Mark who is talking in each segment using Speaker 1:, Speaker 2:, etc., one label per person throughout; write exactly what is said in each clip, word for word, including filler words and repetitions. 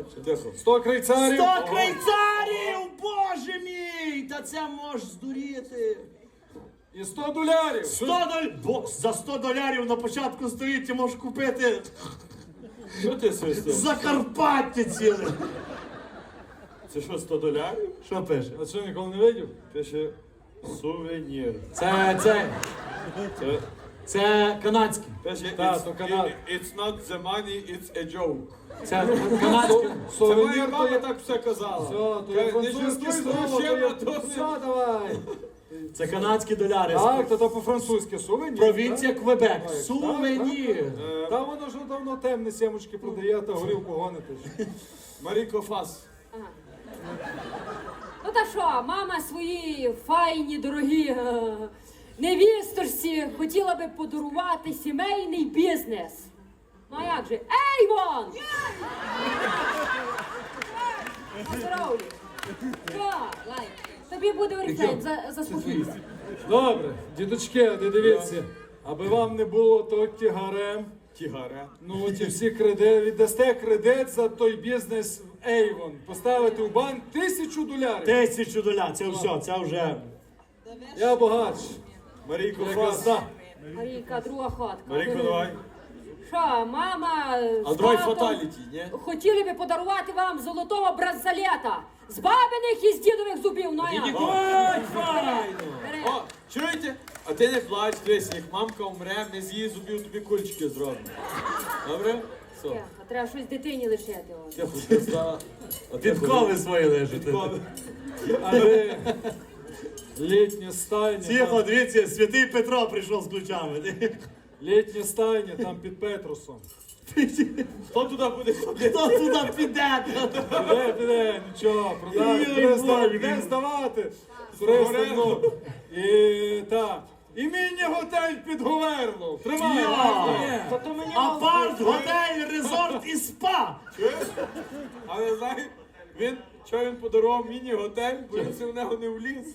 Speaker 1: Тихо.
Speaker 2: Сто крейцарів.
Speaker 3: Сто крейцарів, боже мій! Та це можеш здуріти.
Speaker 2: І сто долярів.
Speaker 3: Сто доль... Бо за сто долярів на початку століття можеш купити
Speaker 1: Що ти свистиш?
Speaker 3: Закарпаття ціле.
Speaker 1: Це що, сто долярів?
Speaker 3: Що пише?
Speaker 2: А що, ніколи не видів?
Speaker 1: Пише сувенір.
Speaker 3: Це, це,
Speaker 1: Це
Speaker 3: це канадське.
Speaker 1: пише
Speaker 2: Та,
Speaker 1: it's,
Speaker 2: то Канада.
Speaker 1: it- it's not the money, it's a joke.
Speaker 3: Це канадське.
Speaker 1: Це моя
Speaker 2: Сувенір то
Speaker 1: мама
Speaker 2: є...
Speaker 1: так все казала.
Speaker 2: Все, то
Speaker 1: Каже,
Speaker 2: є
Speaker 1: не
Speaker 2: французьке
Speaker 1: жартуй з
Speaker 2: слово, то
Speaker 1: грошима,
Speaker 2: є...
Speaker 1: то не-
Speaker 2: Все, давай.
Speaker 3: Це канадські доляри.
Speaker 2: Так, то то по-французьки сувенір.
Speaker 3: Провінція Квебек.
Speaker 2: Так,
Speaker 3: Сувенір.
Speaker 1: Е,
Speaker 2: Та воно ж давно темні сімочки продає, та горілку гонити.
Speaker 1: Маріко Фас.
Speaker 4: Ну та що, мама свої файні, дорогі е, невісторці хотіла би подарувати сімейний бізнес. Ну а як же? Ейвон! Поздоровлю. Що, лайк? Тобі буде орифлейм, за, заспокійся.
Speaker 2: Добре, дідочки, не дивіться. Аби вам не було то тягарем,
Speaker 1: Тігара.
Speaker 2: ну ті всі кредити, віддасте кредит за той бізнес в Avon. Поставити в банк тисячу долярів.
Speaker 3: Тисячу доляр. Це все, це вже.
Speaker 2: Я багач.
Speaker 1: Марійко
Speaker 2: Я
Speaker 1: Фас.
Speaker 2: газда.
Speaker 4: Марійка, друга ходка.
Speaker 1: Марійко, давай.
Speaker 4: Що, мама
Speaker 1: А
Speaker 4: з
Speaker 1: давай
Speaker 4: татом
Speaker 1: фаталіті, ні?
Speaker 4: хотіли би подарувати вам золотого бразалета з бабиних і з дідових зубів. Ну а як?
Speaker 3: Ой, файно!
Speaker 4: Бери.
Speaker 1: О, чуєте? А ти не плач, дивись, як мамка умре, ми з її зубів тобі кульчики зробимо. Добре? Все.
Speaker 4: Тихо, треба щось дитині лишити. от.
Speaker 1: Тихо, ти стала. А ти
Speaker 3: Підкови свої лежать.
Speaker 1: Підкови.
Speaker 2: Але літня стайня.
Speaker 3: Тихо,
Speaker 2: там-
Speaker 3: дивіться, святий Петро прийшов з ключами.
Speaker 2: Літня стайня там під Петрусом.
Speaker 1: Хто туди буде ходити?
Speaker 3: Хто туди піде?
Speaker 2: Піде, піде, нічого, продати,
Speaker 3: Ой,
Speaker 2: буде зда-
Speaker 3: Боже.
Speaker 2: буде здавати. Туристи, ну. І так. І міні-готель під Говерло. Тримай.
Speaker 3: Я.
Speaker 2: Та то мені
Speaker 3: Апарт, готель, резорт і спа.
Speaker 1: Чуєш? Але знаєш, він, що він подарував міні-готель, бо він в нього не вліз.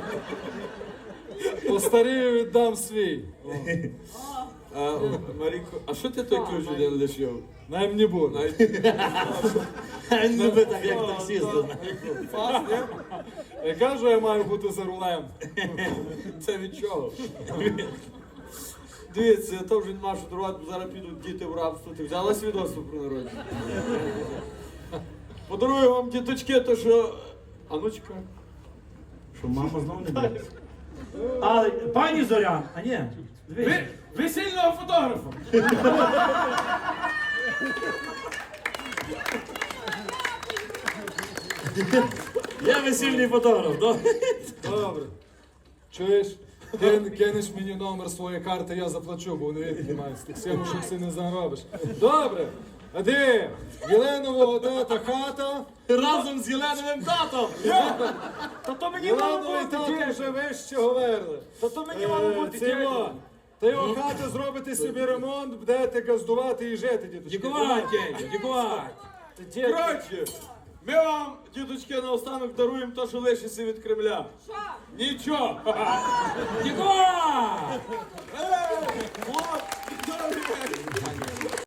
Speaker 2: Постарію віддам свій.
Speaker 1: А, о, Марійко, а що ти той ключ один лишив?
Speaker 2: Най мені буде.
Speaker 1: Навіть
Speaker 3: Він любить так, як таксіст.
Speaker 1: Марійко, Фас, ні?
Speaker 2: Я кажу, я маю бути за рулем.
Speaker 1: Це від чого? Дивіться, то вже нема що дарувати, бо зараз підуть діти в рабство. Ти взяла свідоцтво про народження? Подарую вам, діточки, то що... А ну чекай.
Speaker 3: Що мама знову не буде? А, пані Зоря, а ні. дивись.
Speaker 1: Весільного фотографа!
Speaker 3: Я весільний фотограф, да?
Speaker 2: Добре. Чуєш? Кин, кинеш мені номер своєї карти, я заплачу, бо не віднімаю. З тих сімушок си не заробиш. Добре. А де? Єленового тата хата.
Speaker 3: Разом з Єленовим татом.
Speaker 1: Та то мені
Speaker 2: Єленовий тато вже вище говорили.
Speaker 1: Та то мені
Speaker 2: Е, це його. Та його хата зробити собі ремонт, будете газдувати і жити, діточки.
Speaker 3: Дякувати, дякувати.
Speaker 1: Коротше, ми вам, діточки, наостанок даруємо те, що лишиться від Кремля.
Speaker 4: Що?
Speaker 1: Нічого!
Speaker 3: Дякувати.
Speaker 1: Ей! От! Добре!